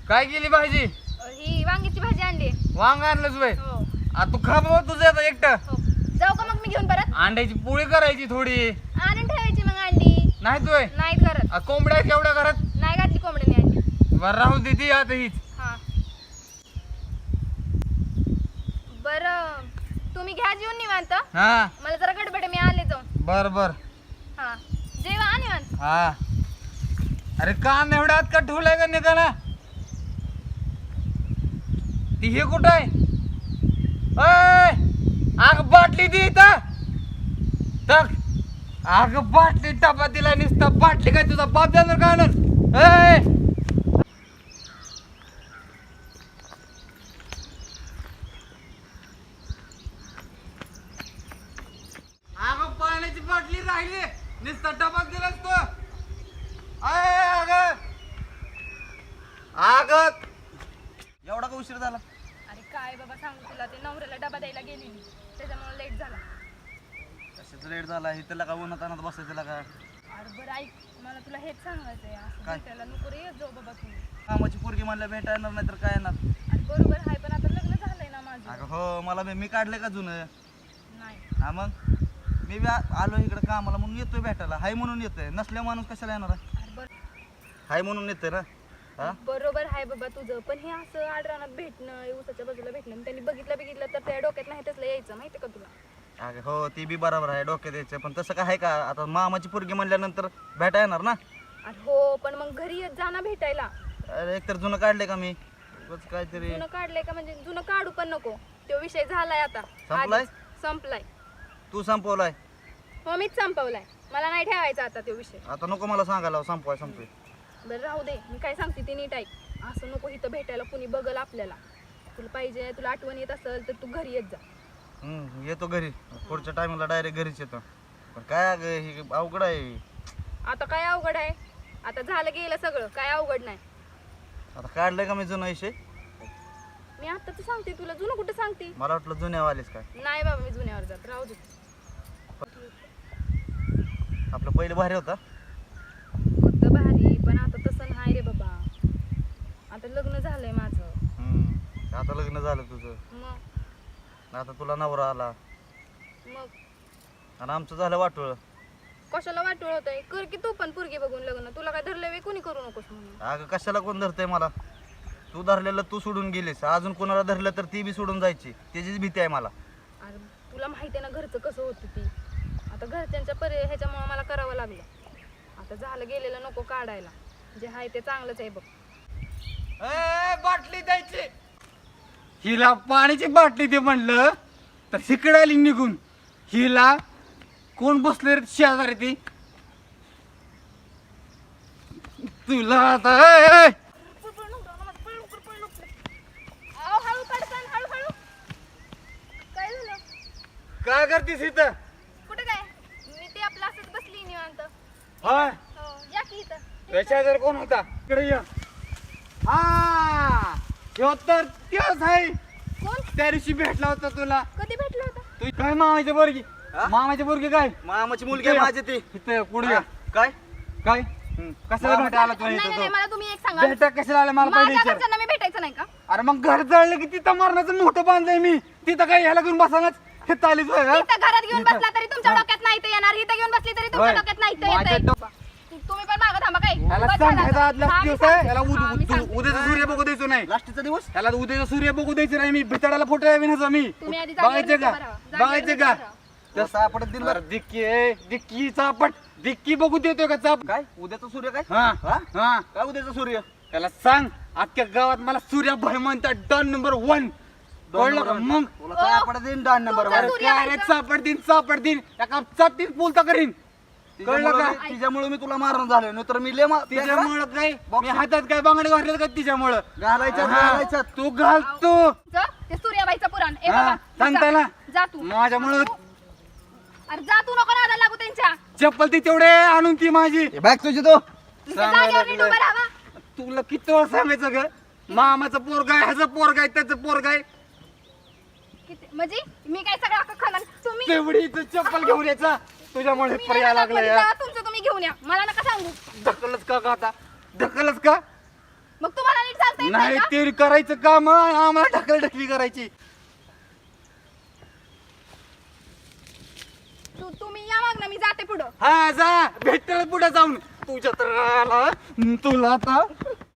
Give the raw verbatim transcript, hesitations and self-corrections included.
काय केली भाजी? ही वांग्याची भाजी आणली. वांग आणलंच बाई. हो आ तू खा बाबा तुझं आता एकटं. हो. जाऊ का मग मी घेऊन परत? अंड्याची पोळी करायची थोडी. आणून ठेवायची मग अंडी. नाही तोय नाही करत. आ कोंबड्या केवढ्या घरात? नाही घातली कोंबडीने अंडी. बरं राहू दे ती आता हीच. हा बरं तुम्ही घ्या जेवून निवांत. हा मला जरा गडबड आहे, मी आले जाऊन. बर बर. हा जेवा आ निवांत. हा अरे कान एवढ्या आत का ठेवलाय का निघाला? ती हे कुठं आहे? अय आग बाटली दी इथं. टक आग बाटली टपा दिला नुसता. बाटली काय तुझा बाप जाणार का आणून? अय अगं पाण्याची बाटली राहिली नुसता डबा दिलास तो. अग अग एवढा का उशीर झाला? अरे काय बाबा सांगू तुला, ते नवऱ्याला डबा द्यायला गेलेली त्याच्यामुळे लेट झाला. कशाच लेट झाला? इथं का उन्हात आणत बसायचं का? अरे बरं ऐक, मला तुला हेच सांगायचंय, असं काय? भेटायला नको रे येत जाऊ बाबा तू. कामाची पोरगी म्हणलं भेटा येणार नाही तर काय येणार? अरे बरोबर आहे, पण आता लग्न झालंय ना माझं. अगं हो मला मी मी काढले का जुनं? नाही हा मग मी बी आ- आलो इकडे कामाला म्हणून येतोय भेटायला. हाय म्हणून येतोय, नसल्या माणूस कशाला येणार आहे? अरे बरं हाय म्हणून येतोय ना. हा बरोबर आहे बाबा तुझं, पण हे असं आडरानात भेटणं, ऊसाच्या बाजूला भेटणं, त्यांनी बघितलं बघितलं तर त्या डोक्यात नाही तसलं यायचं, माहिती का तुला? अगं हो ती बी बरोबर आहे डोक्यात यायचं, पण तसं काय आहे का? आता मामाची पोरगी म्हणल्यानंतर भेटा येणार ना. अरे हो, पण मग घरी येत जा ना भेटायला. अरे एकतर जुनं काढले का मी उगाच काहीतरी. जुनं काढलंय का? म्हणजे जुनं काढू पण नको, तो विषय झालाय आता. संपलाय? आधीच संपलाय. तू संपवलाय हो मीच संपवलाय, मला नाही ठेवायचा आता तो विषय. आता नको मला सांगायला संपवाय संपवे. बरं राहू दे, मी काय सांगते ते नीट ऐक. असं नको इथं भेटायला कुणी बघल आपल्याला. तुला पाहिजे, तुला आठवण येत असेल तर तू घरी येत जा. हम्म येतो घरी, पुढच्या टायमिंगला डायरेक्ट घरीच येतो. पण काय अगं हे अवघड आहे. आता काय अवघड आहे? आता झालं गेलं सगळं, काय अवघड नाही. आता काढलंय का मी जुनं विषय? मी आता तर सांगते तुला, जुनं कुठं सांगते? मला वाटलं जुन्यावालेच काय. नाही बाबा, मी जुन्यावर जात, राहू दे. आपलं पहिलं भारी होता. होतं भारी, पण आता तसं नाही रे बाबा. आता लग्न झालंय माझं. हम्म आता लग्न झालं तुझं, मग आता तुला नवरा आला मग आणि आमचं झालं वाटोळ. कशाला वाटोळ होतंय? कर की तू पण पोरगी बघून लग्न. तुला काय धरलं वे कोणी करू नकोस म्हणून. अगं कशाला कोण धरतंय मला? तू धरलेलं तू सोडून गेलीस, अजून कोणाला धरलं तर ती बी सोडून जायची, त्याचीच भीती आहे मला. अरे तुला माहिती आहे ना घरचं कसं होतं ती. आता घरच्यांच्या पर्याय ह्याच्यामुळे मला करावं लागलं. आता झालं गेलेलं नको काढायला, जे आहे ते चांगलंच आहे बघ. ए, बाटली द्यायची. हिला पाण्याची बाटली दे म्हणलं तर हिकडे आली निघून. हिला कोण बसले रे शेजारी? ती तुला आता ए, ए. अहो, हळू पडसान, हळू हळू. काय झालं? काय करतीस इथं? कुठं काय? मी ते आपलं असंच बसली निवांत. होय हो, या की इथं. तुझ्या शेजारी कोण होता? इकडे ये. हा ह्यो तर तेच आहे. कोण? त्या दिवशी भेटला होता तुला. कधी भेटलं होतं? तू काय मामाची पोरगी? मामाची पोरगी काय? मामाची मुलगी आहे माझी ती. इथं पुढे ये. काय काय कशाला भेटायला आला तुला नाही नाही नाही, इथं? मला तुम्ही एक सांगा. भेटा कशाला आला मला पहिले माझ्या विचार. घरच्यांना मी भेटायचं नाही का? अरे मग घर जळलं की तिथं मरणाचं मोठं बांधलंय मी. तिथं काय ह्याला घेऊन बसानाच हे चालीच होय का? इथं घरात घेऊन इथं. बसला तरी तुमच्या डोक्यात नाही ते येणार. इथं घेऊन बसली तरी तुमच्या होय. डोक्यात नाही ते माझ्या येतंय. डो- तुम्ही पण मागं थांबा काय? ह्याला बस झालं सांगायचा आता. आदला हा, मी दिवस आहे. सांगते. ह्याला हा, मी उद- सांगते. उद्याचा सूर्य बघू द्यायचो नाही. लास्टचा दिवस ह्याला उद्याचा सूर्य बघू द्यायचं नाही. मी भितडाला फोटो आहे विनाचा मी. तुम्ही आधी जागेवर बघायचे का? उभं राहा. जागेवर बघायचे उभं का? राहा. तर सापडत दिला अरे डिक्की आहे, डिक्की चापट. डिक्की बघू देतोय का चाप? काय उद्याचा सूर्य काय हा हा? हा काय उद्याचा सूर्य त्याला सांग अख्ख्या गावात मला सूर्याभाई म्हणतात. Done number one. कळलं का? मग तुला सापडत देईन डान नंबर तुमचा वर. सूर्य काय रे चापड दिन चापड दिन एका चापटीत बोलता करीन. कळलं का? तिच्यामुळं- तिच्यामुळे मी तुला मारून झालो नाही तर मी ले मा- तिच्यामुळं काय मी हातात काय बांगडे घातले का तिच्यामुळं? घालायच्यात हा. घालायच्यात. तू घाल तू. जा, ते सूर्याबाईचं पुराण. ए हा, बाबा, सांग जा. त्याला. जा तू. माझ्यामुळं अरे जा तू, नको नादाला लागू त्यांच्या. चप्पल ती तेवढे आणून ती माझी. हे बॅग तुझी तो नुसतं सांगायला जागेवर नीट लागलंय. उभं राहावा. तुला किती वेळ सांगायचं ग? मामाचं पोरग आहे, ह्याचं पोरग आहे, त्याचं पोरग आहे. किती म्हणजे मी काय सगळं अख्खं खाणार? तुम्ही तेवढी इथं चप्पल घेऊन यायचा तुझ्यामुळे तुम्ही पर्याय नका लागला मध्ये यार. जा, तुमचं तुम्ही घेऊन या. मला नका सांगू. ढकलच का का आता? ढकलच का? मग तुम्हाला नीट सांग करता येत नाही का? ते करायचं काम आम्हाला ढकल ढकली करायची. तू तुम्ही या मग ना, मी जाते पुढं. हा जा भेटल पुढे जाऊन तुझ्या तर आला तुला आता